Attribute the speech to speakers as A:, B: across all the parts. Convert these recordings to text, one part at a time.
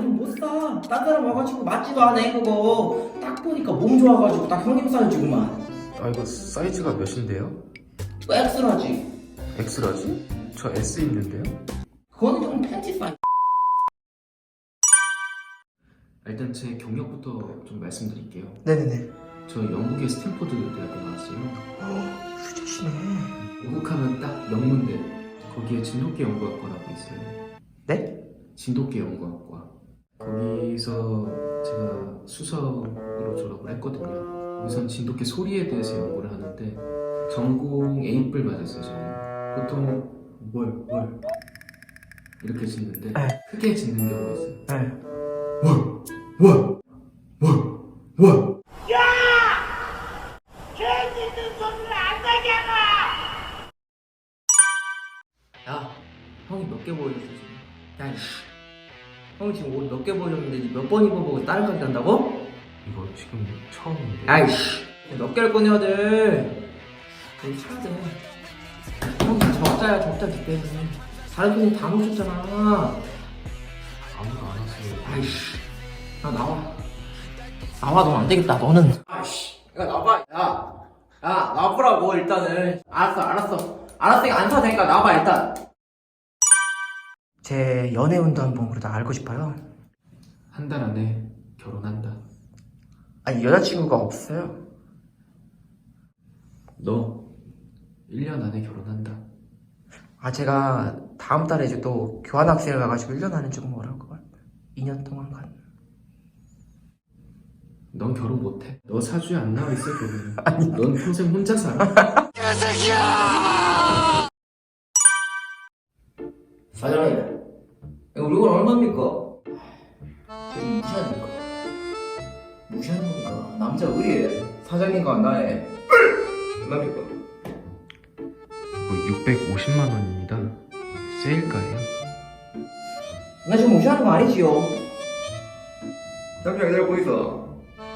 A: 이건 못 사. 딴 사람 와가지고 맞지도 않아 그거. 딱 보니까 몸 좋아가지고 딱 형님 사이즈구만.
B: 아 이거 사이즈가 몇인데요?
A: 또 엑스라지.
B: X라지? 저 S 있는데요?
A: 그거는 형 팬티 사이즈.
B: 일단 제 경력부터 좀 말씀드릴게요.
C: 네네네.
B: 저 영국의 스탠포드 대학교 나왔어요.
C: 휴지시네.
B: 영국하면 딱 명문대. 거기에 진돗개 연구학과라고 있어요.
C: 네?
B: 진돗개 연구학과. 거기서 제가 수석으로 졸업을 했거든요. 거기선 진돗개 소리에 대해서 연구를 하는데 전공 A뿔 맞았어요 저는. 보통 뭘 이렇게 짓는데
C: 네.
B: 크게 짓는 경우가 있어요.
C: 네.
B: 월.
A: 야, 형이 몇 개 보여줬어 지금? 야, 이씨. 형이 지금 옷 몇 개 보여줬는데 몇 번 입어보고 다른 가게 간다고?
B: 이거 지금 처음인데.
A: 아이씨. 몇 개를 꺼내야 돼? 여기 사야 돼. 형이 적자야 적자 니 때문에. 다른 손님 다 놓쳤잖아.
B: 아무도 안 왔어요.
A: 아이씨. 야, 나와. 나와, 넌 안 되겠다, 너는. 아이씨. 야, 나와봐. 야, 나와보라고, 일단은. 알았으니까 안 사도 되니까 나와봐, 일단.
C: 제 연애운도 한번 그러다 알고 싶어요.
B: 한 달 안에 결혼한다.
C: 아니 여자친구가 없어요.
B: 너 1년 안에 결혼한다.
C: 아 제가 다음 달에 이제 또 교환학생을 가가지고 1년 안에 조금 어려울 것 같아요. 2년 동안 간.
B: 넌 결혼 못해. 너 사주에 안 나와 있어 결혼은. 넌 평생 혼자 살아.
A: 사장님, 이거 이건 얼마입니까? 지금 무시하니까. 무시하는 겁니까? 남자 의리에 사장님과 나의 얼마입니까?
B: 뭐 650만 원입니다. 세일가예요.
A: 나 지금 무시하는 거 아니지요? 잠시만 기다려보고 있어.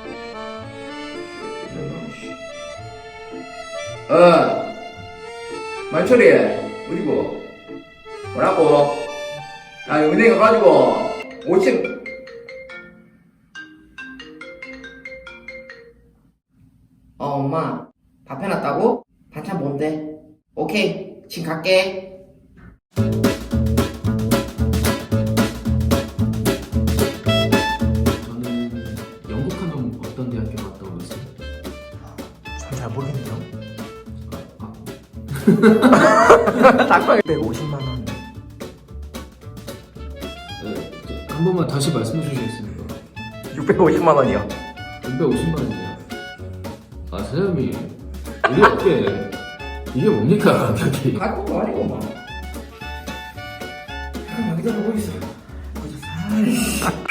A: 만철이 어디고? 뭐라고? 야 은행 가가지고 5층 엄마 밥 해놨다고? 반찬 뭔데? 오케이 지금 갈게.
B: 저는 영국 하면 어떤 대학교 갔다 오셨어요?
C: 전 잘 모르겠네요.
A: 닭발
C: 150만 원.
B: 네, 한 번만 다시 말씀해 주시겠습니까?
C: 650만 원이요.
B: 650만 원이요. 아 사장님 이게 어떻게 이게 뭡니까 가격이?
A: 갈 것도 아니고 막. 잠깐만 기다려보고 있어.